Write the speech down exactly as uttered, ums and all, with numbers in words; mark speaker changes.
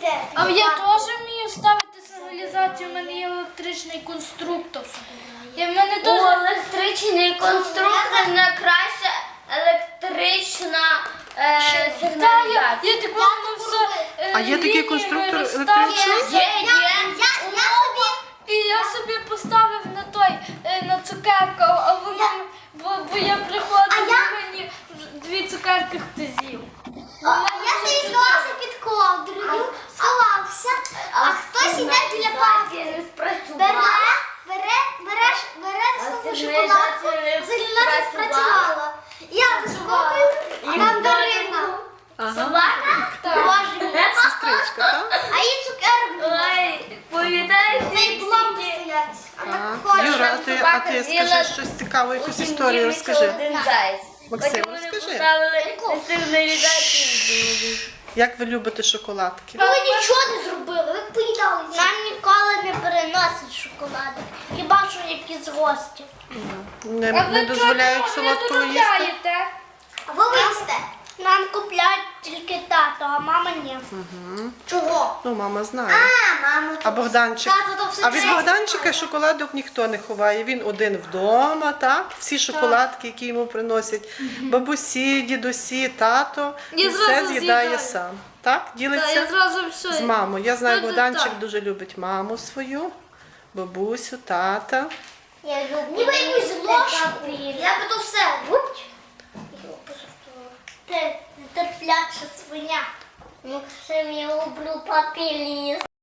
Speaker 1: будете?
Speaker 2: А я теж вмію ставити сигналізацію, в мене є електричний конструктор. І в мене
Speaker 3: У
Speaker 2: теж...
Speaker 3: електричний конструктор найкраща електрична е,
Speaker 2: Та, я,
Speaker 3: сигналізація.
Speaker 2: я так воно все е,
Speaker 4: А є такий
Speaker 2: лініями
Speaker 4: конструктор
Speaker 2: розставила.
Speaker 4: електричний?
Speaker 3: Є, є.
Speaker 1: Я, я собі...
Speaker 2: І я собі поставив на той, е, на цукерку, а воно, бо, бо я приходила,
Speaker 1: А я-
Speaker 2: мені дві цукерки хтось з'їв.
Speaker 1: А я собі сховався під ковдрою, сховався, а хтось іде біля палки.
Speaker 3: Сигналізація не
Speaker 1: Бере,
Speaker 3: спрацювала.
Speaker 1: бере, береш, бере
Speaker 3: А
Speaker 1: свою
Speaker 3: сигналізація
Speaker 1: шоколадку,
Speaker 3: не
Speaker 1: сигналізація
Speaker 3: спрацювала.
Speaker 1: спрацювала. Я вискокую, а там Дарина.
Speaker 4: Ага.
Speaker 3: Собака?
Speaker 1: Боже мій.
Speaker 4: Сестричка, так?
Speaker 1: А їй цукерок немає.
Speaker 3: Ой, пам'ятаєш,
Speaker 1: В неї пломби стоять. А так
Speaker 4: Так.
Speaker 1: хоче.
Speaker 4: Юра, а ти, а ти скажи щось цікаве, якусь історію розкажи. Максим, розкажи. Як ви любите шоколадки?
Speaker 1: Ну, ви нічого не зробили, ви поїдали. Нам ніколи не переносять шоколади. Хіба що якісь гості.
Speaker 4: Не,
Speaker 2: А
Speaker 4: не
Speaker 2: ви
Speaker 4: дозволяють
Speaker 2: чого не
Speaker 4: солодкого їсти?
Speaker 2: доробляєте?
Speaker 1: А ви їсте? Нам купляють тільки тато, а мама ні. Чого?
Speaker 4: Ну, мама знає.
Speaker 1: А, мама.
Speaker 4: А Богданчик?
Speaker 1: Тато то все
Speaker 4: А від
Speaker 1: чесно.
Speaker 4: Богданчика шоколадок ніхто не ховає. Він один вдома, так? Всі шоколадки, які йому приносять бабусі, дідусі, тато,
Speaker 2: Я
Speaker 4: і все
Speaker 2: зразу
Speaker 4: з'їдає
Speaker 2: з'їдаю.
Speaker 4: сам. Так?
Speaker 2: Та,
Speaker 4: Ділиться
Speaker 2: я зразу все.
Speaker 4: з мамою. Я знаю,
Speaker 2: Ну,
Speaker 4: Богданчик
Speaker 2: так.
Speaker 4: дуже любить маму свою, бабусю, тата.
Speaker 1: Я люблю. Ніби якусь ложку. Я би то все. Гуп. Ти нетерпляча свиня. Максим, я люблю папіліс.